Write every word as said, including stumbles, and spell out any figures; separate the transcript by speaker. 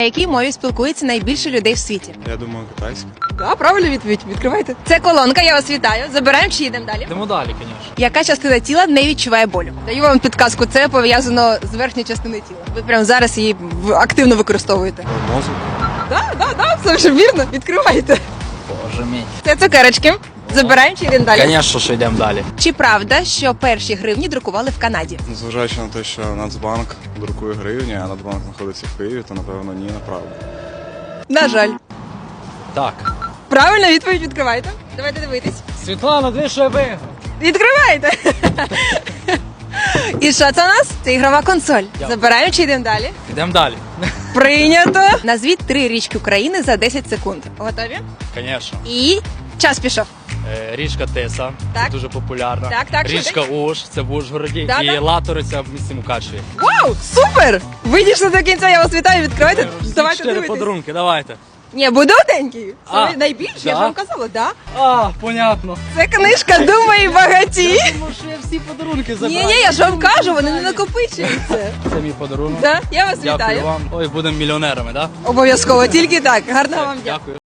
Speaker 1: На якій мові спілкується найбільше людей в світі?
Speaker 2: Я думаю, китайська.
Speaker 1: Так, правильно відповідь. Відкривайте. Це колонка, я вас вітаю. Забираємо чи їдемо далі?
Speaker 3: Йдемо далі, звісно.
Speaker 1: Яка частина тіла не відчуває болю? Даю вам підказку, це пов'язано з верхньою частиною тіла. Ви прямо зараз її в- активно використовуєте.
Speaker 2: Мозок.
Speaker 1: Так, так, так, все вже вірно. Відкривайте.
Speaker 3: Боже мій.
Speaker 1: Це цукерочки. Забираємо чи йдемо далі?
Speaker 3: Звісно, що йдемо далі.
Speaker 1: Чи правда, що перші гривні друкували в Канаді?
Speaker 2: Зважаючи на те, що Нацбанк друкує гривні, а Нацбанк знаходиться в Києві, то напевно ні, неправда.
Speaker 1: На жаль.
Speaker 3: Так.
Speaker 1: Правильно, відповідь відкривайте. Давайте дивитись.
Speaker 3: Світлана, дві що я виграв.
Speaker 1: Відкривайте. І що це у нас? Це ігрова консоль. Забираємо чи йдемо далі?
Speaker 3: Йдемо далі.
Speaker 1: Прийнято. Назвіть три річки України за десять секунд. Готові?
Speaker 3: Звісно.
Speaker 1: І час пішов.
Speaker 3: Е, Річка Тиса,
Speaker 1: Так.
Speaker 3: це дуже популярна.
Speaker 1: Так, так, що
Speaker 3: Річка Уж, це в Ужгороді.
Speaker 1: Да,
Speaker 3: і
Speaker 1: да.
Speaker 3: Латориця в місті Мукачеві.
Speaker 1: Вау! Супер! Ви дійшли до кінця, я вас вітаю, відкривайте.
Speaker 3: Всі
Speaker 1: Давайте
Speaker 3: чотири
Speaker 1: дивитись.
Speaker 3: подарунки, давайте.
Speaker 1: Ні, будутенький. Це
Speaker 3: А,
Speaker 1: найбільше, я ж
Speaker 3: да?
Speaker 1: вам казала, да?
Speaker 3: А, понятно.
Speaker 1: Це книжка «Думай багаті».
Speaker 3: Тому що я всі подарунки забрав.
Speaker 1: Ні, ні, я ж вам кажу, вони не накопичуються.
Speaker 3: Це мій подарунок.
Speaker 1: Да? Я вас
Speaker 3: Дякую
Speaker 1: вітаю.
Speaker 3: вам. Ой, будемо мільйонерами, так?
Speaker 1: Обов'язково, тільки так. Гарного вам дня.
Speaker 3: Дякую.